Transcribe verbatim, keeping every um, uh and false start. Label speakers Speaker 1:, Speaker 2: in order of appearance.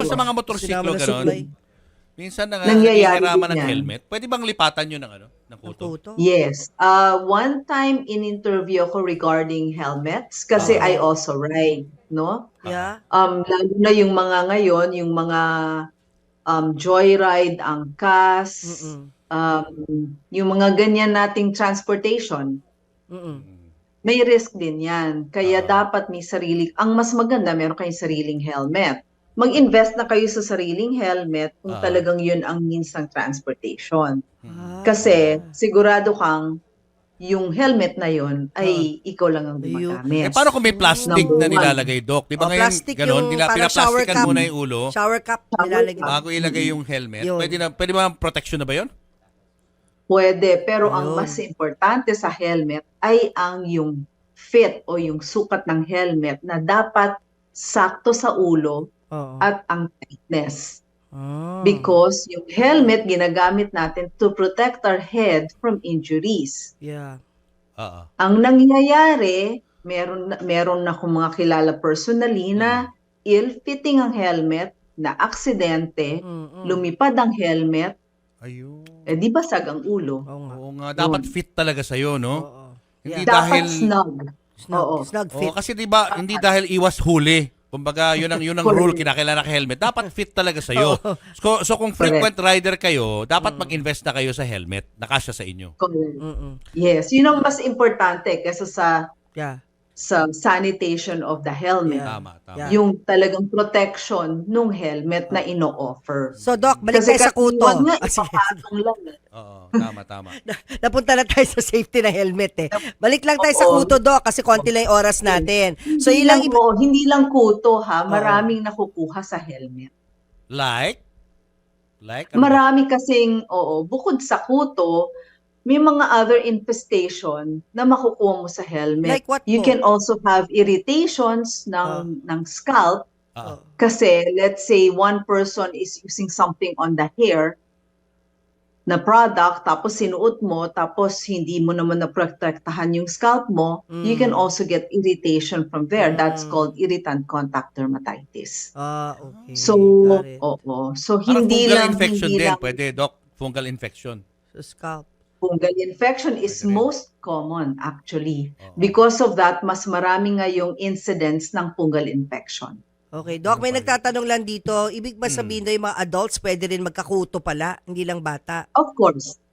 Speaker 1: sa mga motorsiklo,
Speaker 2: Sinama na
Speaker 1: gano'n,
Speaker 2: supply.
Speaker 1: minsan na
Speaker 3: Nangyayari
Speaker 1: nahihiraman
Speaker 3: din
Speaker 1: ng
Speaker 3: yan.
Speaker 1: helmet. Pwede bang lipatan yun ng, ano, ng
Speaker 2: Ang
Speaker 1: kuto?
Speaker 2: puto.
Speaker 3: Yes. Uh, one time in interview ako regarding helmets kasi
Speaker 1: Ah.
Speaker 3: I also ride, no?
Speaker 2: Yeah.
Speaker 3: Um, lalo na yung mga ngayon, yung mga um, joyride, angkas,
Speaker 2: Mm-mm.
Speaker 3: um, yung mga ganyan nating transportation,
Speaker 2: Mm-mm.
Speaker 3: may risk din yan. Kaya
Speaker 1: Ah.
Speaker 3: dapat may sarili, ang mas maganda, meron kayong sariling helmet. Mag-invest na kayo sa sariling helmet kung
Speaker 1: Ah.
Speaker 3: talagang yun ang means ng transportation.
Speaker 2: Ah.
Speaker 3: Kasi sigurado kang yung helmet na yun
Speaker 2: Ah.
Speaker 3: ay ikaw lang ang
Speaker 2: Ayun.
Speaker 3: gumagamit.
Speaker 1: Eh, paano kung may plastic
Speaker 3: Number
Speaker 1: na
Speaker 3: one.
Speaker 1: nilalagay, Doc? Di ba
Speaker 2: Oh,
Speaker 1: ngayon,
Speaker 2: plastic
Speaker 1: gano'n,
Speaker 2: yung
Speaker 1: nila,
Speaker 2: parang shower
Speaker 1: pinaplastikan
Speaker 2: cup.
Speaker 1: muna yung ulo,
Speaker 2: Shower cup
Speaker 3: Shower
Speaker 2: nilalagay.
Speaker 3: cup.
Speaker 1: bago ilagay yung helmet.
Speaker 2: Yun.
Speaker 1: Pwede na, pwede ba protection na ba yun?
Speaker 3: Pwede, pero ang
Speaker 2: Ayun.
Speaker 3: mas importante sa helmet ay ang yung fit o yung sukat ng helmet na dapat sakto sa ulo
Speaker 2: Oo.
Speaker 3: at ang tightness.
Speaker 2: Ah.
Speaker 3: Because yung helmet ginagamit natin to protect our head from injuries.
Speaker 2: Yeah.
Speaker 1: Oo.
Speaker 3: Ang nangyayari, meron na- meron na akong mga kilala personally na ill-fitting ang helmet, na aksidente,
Speaker 2: Mm-mm.
Speaker 3: lumipad ang helmet,
Speaker 1: Ayun.
Speaker 3: eh di basag ang ulo.
Speaker 2: Oo nga.
Speaker 1: Oo nga, dapat
Speaker 3: Yun.
Speaker 1: fit talaga sa'yo, no?
Speaker 2: Oo.
Speaker 1: Hindi
Speaker 2: Yeah.
Speaker 3: Dapat
Speaker 1: dahil...
Speaker 3: snug.
Speaker 2: Snug,
Speaker 3: Oo.
Speaker 2: snug
Speaker 1: Oo,
Speaker 2: fit.
Speaker 1: kasi di ba, hindi dahil iwas huli. Kumbaga, yun ang, yun ang rule, kinakailangan ka helmet. Dapat fit talaga sa'yo. So, so kung frequent rider kayo, dapat mag-invest na kayo sa helmet na kasya sa inyo.
Speaker 3: Correct.
Speaker 2: Mm-mm.
Speaker 3: Yes, yun ang mas importante kaysa sa
Speaker 2: Yeah.
Speaker 3: sa sanitation of the helmet.
Speaker 2: Yeah.
Speaker 1: Tama, tama.
Speaker 2: Yeah.
Speaker 3: Yung talagang protection nung helmet na ino-offer.
Speaker 2: So, Doc, balik
Speaker 3: Kasi
Speaker 2: tayo sa kuto.
Speaker 3: wag nga,
Speaker 2: Ah, sige.
Speaker 3: ipapatong lang. eh.
Speaker 1: Oo, tama, tama.
Speaker 2: Napunta na tayo sa safety na helmet eh. Balik lang tayo sa
Speaker 3: Oo.
Speaker 2: kuto, Doc, kasi konti lang yung oras natin. So,
Speaker 3: Hindi
Speaker 2: ilang...
Speaker 3: lang, oo, hindi lang kuto ha, maraming nakukuha sa helmet.
Speaker 1: Like? Like? Ano ba?
Speaker 3: Marami kasing, oo, bukod sa kuto, may mga other infestation na makukuha mo sa helmet.
Speaker 2: Like what
Speaker 3: You
Speaker 2: po?
Speaker 3: can also have irritations ng ng scalp
Speaker 1: Oo.
Speaker 3: kasi let's say one person is using something on the hair na product tapos sinuot mo tapos hindi mo naman naprotektahan yung scalp mo, you can
Speaker 2: Mm.
Speaker 3: also get irritation from there. That's
Speaker 2: Mm.
Speaker 3: called irritant contact dermatitis.
Speaker 2: Ah, okay.
Speaker 3: So,
Speaker 2: Got it.
Speaker 3: oo. So
Speaker 1: Parang
Speaker 3: hindi
Speaker 1: fungal
Speaker 3: lang
Speaker 1: infection
Speaker 3: hindi
Speaker 1: din,
Speaker 3: lang
Speaker 1: pwede, Doc. Fungal infection.
Speaker 2: So, scalp.
Speaker 3: fungal infection is
Speaker 1: Pwede rin.
Speaker 3: most common actually.
Speaker 1: Oo.
Speaker 3: Because of that, mas marami ngayong incidence ng fungal infection.
Speaker 2: Okay, Doc, may
Speaker 1: Ano pa
Speaker 2: nagtatanong lang dito. Ibig ba sabihin na yung mga adults pwede rin magkakuto pala, hindi lang bata?
Speaker 3: Of course,